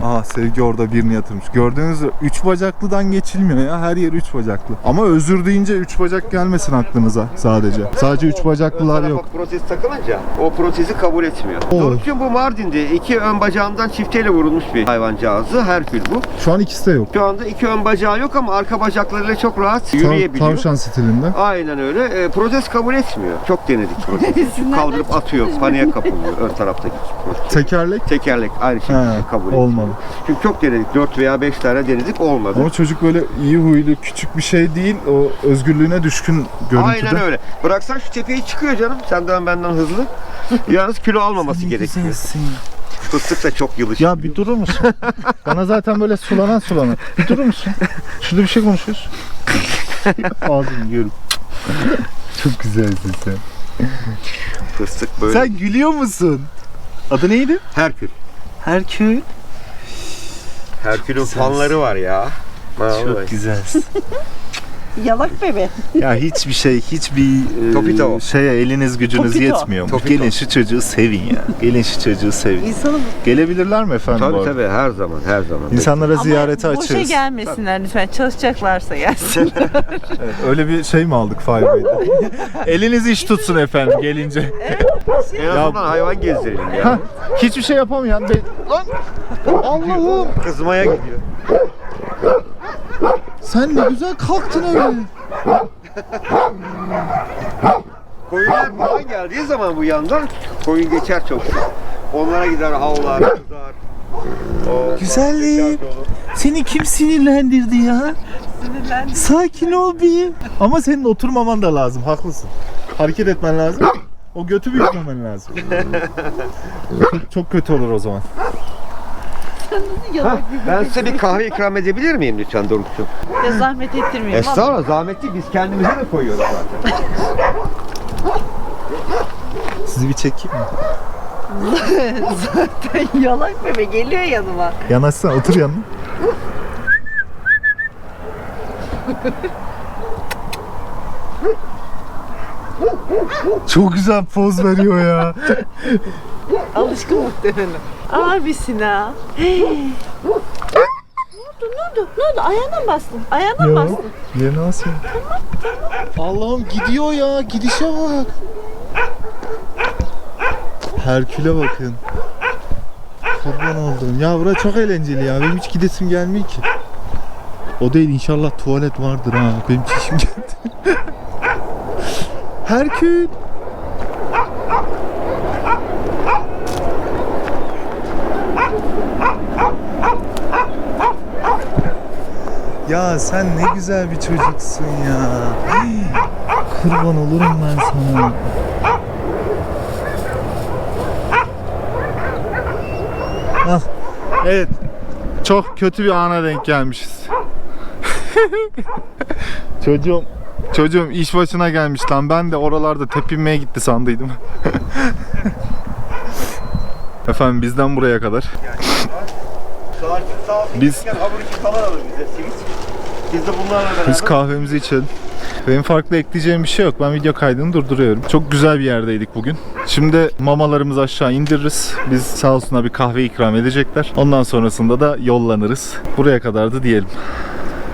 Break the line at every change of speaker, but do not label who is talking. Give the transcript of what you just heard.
Aha Sevgi orada birini yatırmış. Gördüğünüz gibi 3 bacaklıdan geçilmiyor ya. Her yer 3 bacaklı. Ama özür deyince 3 bacak gelmesin aklınıza sadece. Sadece 3 bacaklılar yok.
Protez takılınca o protezi kabul etmiyor. Doruk'cum bu Mardin'de 2 ön bacağından çifteyle vurulmuş bir hayvancağızı. Herkül bu.
Şu an ikisi de yok.
Şu anda 2 ön bacağı yok ama arka bacaklarıyla çok rahat yürüyebiliyor.
Tavşan stilinde.
Aynen öyle. Protez kabul etmiyor. Çok denedik protezi. Kaldırıp atıyor. Paniğe kapılıyor ön taraftaki protez. Tekerlek aynı şekilde kabul etmiyor.
Olmadı.
Çünkü çok denedik. 4 veya 5 tane denedik, olmadı.
Ama çocuk böyle iyi huylu, küçük bir şey değil. O özgürlüğüne düşkün görüntüde.
Aynen öyle. Bıraksan şu tepeye çıkıyor canım. Senden benden hızlı. Yalnız kilo almaması gerekiyor. Fıstık da çok yılışık.
Ya bir durur musun? Bana zaten böyle sulanan. Bir durur musun? Şurada bir şey konuşuyoruz. Ağzını yiyorum. Çok güzelsin sen.
Fıstık böyle.
Sen gülüyor musun? Adı neydi?
Herkül.
Herkül.
Herkül'ün fanları var ya.
Çok güzelsin.
Yalak bebe.
Ya hiçbir
Topito.
şeye eliniz gücünüz
Topito.
yetmiyor mu?
Topito.
Gelin şu çocuğu sevin ya. Gelin şu çocuğu sevin.
İnsanı
Gelebilirler mi efendim bu
Tabii
arada?
tabii, her zaman her zaman.
İnsanlara ziyarete
Ama boşa
açığız.
gelmesinler lütfen. Çalışacaklarsa gelsin.
Evet, öyle bir şey mi aldık Firebay'da? Eliniz iş tutsun efendim gelince.
En azından hayvan gezdirelim ya.
Hah, hiçbir şey yapamayan lan Allah'ım
Kızmaya gidiyor.
sen ne güzel kalktın öyle.
Koyunlar falan geldiği zaman bu yandan koyun geçer çok sık. Onlara gider, havlar, kızar.
Güzellik. Seni kim sinirlendirdi ya?
Sinirlendim.
Sakin ol bir. Ama senin oturmaman da lazım, haklısın. Hareket etmen lazım. O götü büyütmemen lazım. Çok kötü olur o zaman.
Yalak bebe.
Ben size bir kahve ikram edebilir miyim lütfen Doruk'cum?
Ya zahmet ettirmeyin.
Estağfurullah, zahmet değil, biz kendimize de koyuyoruz zaten.
Sizi bir çekeyim mi?
Zaten yalak bebe geliyor yanıma.
Yanaşsana, otur yanına. Çok güzel poz veriyor ya.
Alışkın muhtemelen. Abisin ha. Ne oldu? Ayağına mı bastın? Ayağına mı bastın?
Yerine asın. Allah'ım gidiyor ya. Gidişe bak. Herkül'e bakın. Kurban oldum. Ya bura çok eğlenceli ya. Benim hiç gidesim gelmiyor ki. O değil, inşallah tuvalet vardır ha. Benim çişim geldi. Herkül. Ya sen ne güzel bir çocuksun ya. Kurban olurum ben sana. Ah, evet. Çok kötü bir ana denk gelmişiz. Çocuğum iş başına gelmiş lan. Ben de oralarda tepinmeye gitti sandıydım. Efendim bizden buraya kadar. Biz
hamur işi falan alır bize, simit. Biz de bunlarla beraber...
Biz kahvemizi içelim. Benim farklı ekleyeceğim bir şey yok. Ben video kaydını durduruyorum. Çok güzel bir yerdeydik bugün. Şimdi mamalarımızı aşağı indiririz. Biz sağ olsunlar bir kahve ikram edecekler. Ondan sonrasında da yollanırız. Buraya kadardı diyelim.